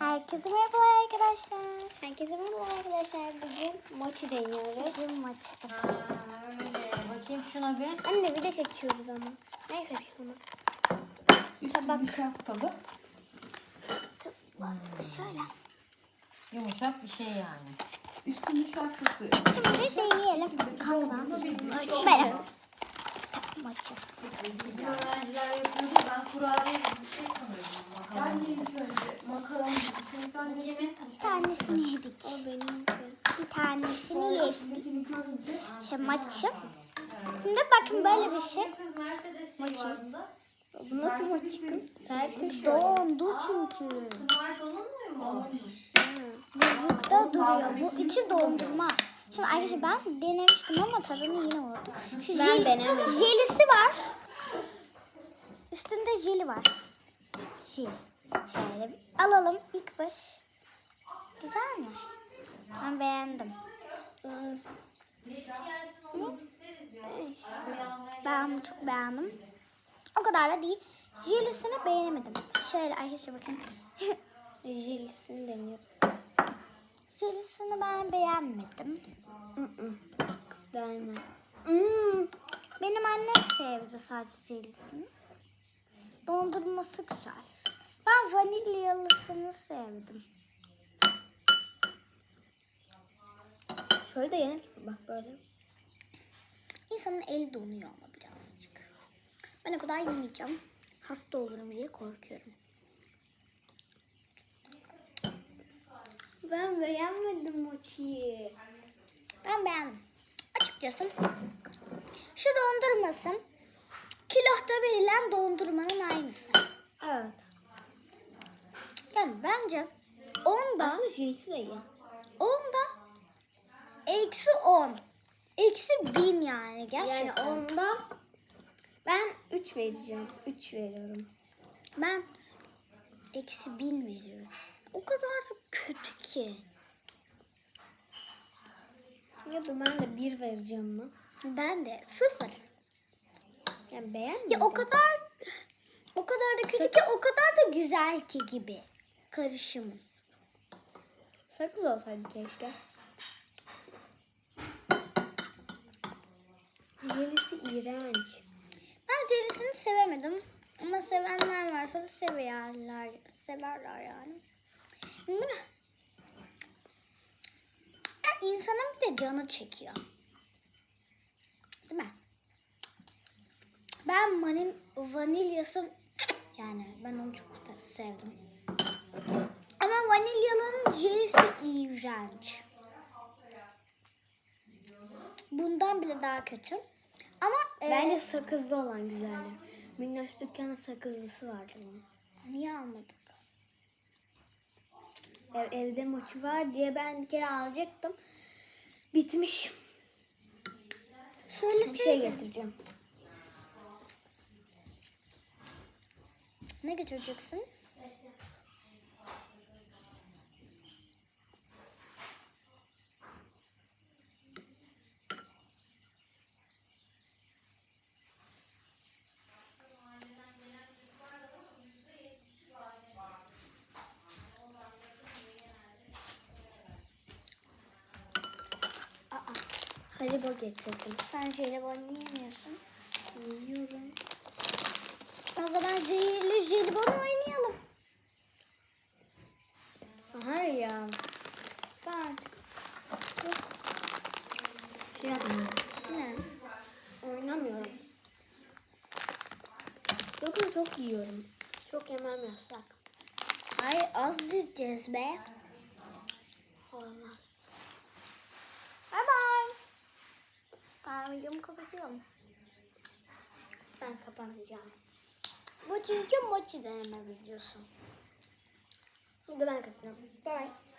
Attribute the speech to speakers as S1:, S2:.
S1: Herkese merhaba arkadaşlar. Herkese merhaba arkadaşlar. Bugün mochi deniyoruz. Bugün mochi.
S2: Öyle. Bakayım şuna bir.
S1: Anne video çekiyoruz ama. Neyse bir şey olmaz.
S3: Üstü nişastalı.
S1: Şöyle.
S2: Yumuşak bir şey yani.
S3: Üstü nişastası.
S1: Şimdi deneyelim. Kandan. Böyle. Mochi.
S2: Bizim öğrenciler yapıyordu. Ben kurabiye gibi bir şey sanıyordum.
S3: Ben de ilk önce makaron gibi bir şey zannettim.
S1: Bir tanesini yedik. O benim. Bir tanesini yedik.
S3: İçindekini görünce
S1: Şey mochi. Şimdi bakın böyle bir şey.
S2: Kız Mercedes şey var bunda.
S1: Bu nasıl mochi kız? Sertmiş. Dondu çünkü.
S2: Smart olunmuyor mu?
S1: Buzlukta duruyor. Bu içi dondurma. Şimdi arkadaşlar ben denemiştim ama tadını yine unuttum. Şu ben denemedim. Jelisi var. Üstünde jeli var. Jeli. Şöyle bir alalım ilk baş. Güzel mi? Ben beğendim. İşte ben bunu çok beğendim. O kadar da değil. Jelisini beğenemedim. Şöyle arkadaşlar bakın. Jelisini deniyorum. Jelisini ben beğenmedim. Beğenmedim. Benim annem sevdi sadece jelisini. Dondurması güzel. Ben vanilyalısını sevdim. Şöyle de yenir gibi bak böyle. İnsanın eli donuyor ama birazcık. Ben o kadar yemeyeceğim. Hasta olurum diye korkuyorum. Ben beğenmedim mochiyi. Ben beğendim. Açıkçası şu dondurması kilohta verilen dondurmanın aynısı. Evet. Yani bence onda aslında jelisi de iyi. Onda eksi 10. Eksi 1000 yani gerçekten. Yani onda ben 3 vereceğim. 3 veriyorum. Ben eksi 1000 veriyorum. O kadar da kötü ki. Ya da ben de 1 vereceğim buna. Ben de 0. Yani beğenmedim. Ya o kadar da kötü ki o kadar da güzel ki gibi. Karışımı. Sakız olsaydı keşke. Jelisi iğrenç. Ben jelisini sevemedim. Ama sevenler varsa da severler yani. İnsanın bir de canı çekiyor. Değil mi? Ben vanilyası yani ben onu çok sevdim. Ama vanilyanın jelisi iğrenç. Bundan bile daha kötü. Ama bence sakızlı olan güzeldir. Minnoş dükkanın sakızlısı vardı bunun. Niye almadık? Evde mochi var diye ben bir kere alacaktım. Bitmiş. Şöyle bir şey getireceğim. Ne getireceksin? Jelibon getirdim. Sen jelibon yiyemiyorsun. Yiyorum. O zaman zehirli jelibon oynayalım. Hayır ya. Ben artık yapmıyorum. Ne? Oynamıyorum. Bakın çok yiyorum. Çok yemem yasak. Hayır az düşeceğiz be. Olmaz. Bye bye. Ben videomu kapatıyorum. Ben kapatacağım. Bu çünkü mochi deneme videosu. Şimdi ben kapatıyorum. Bye.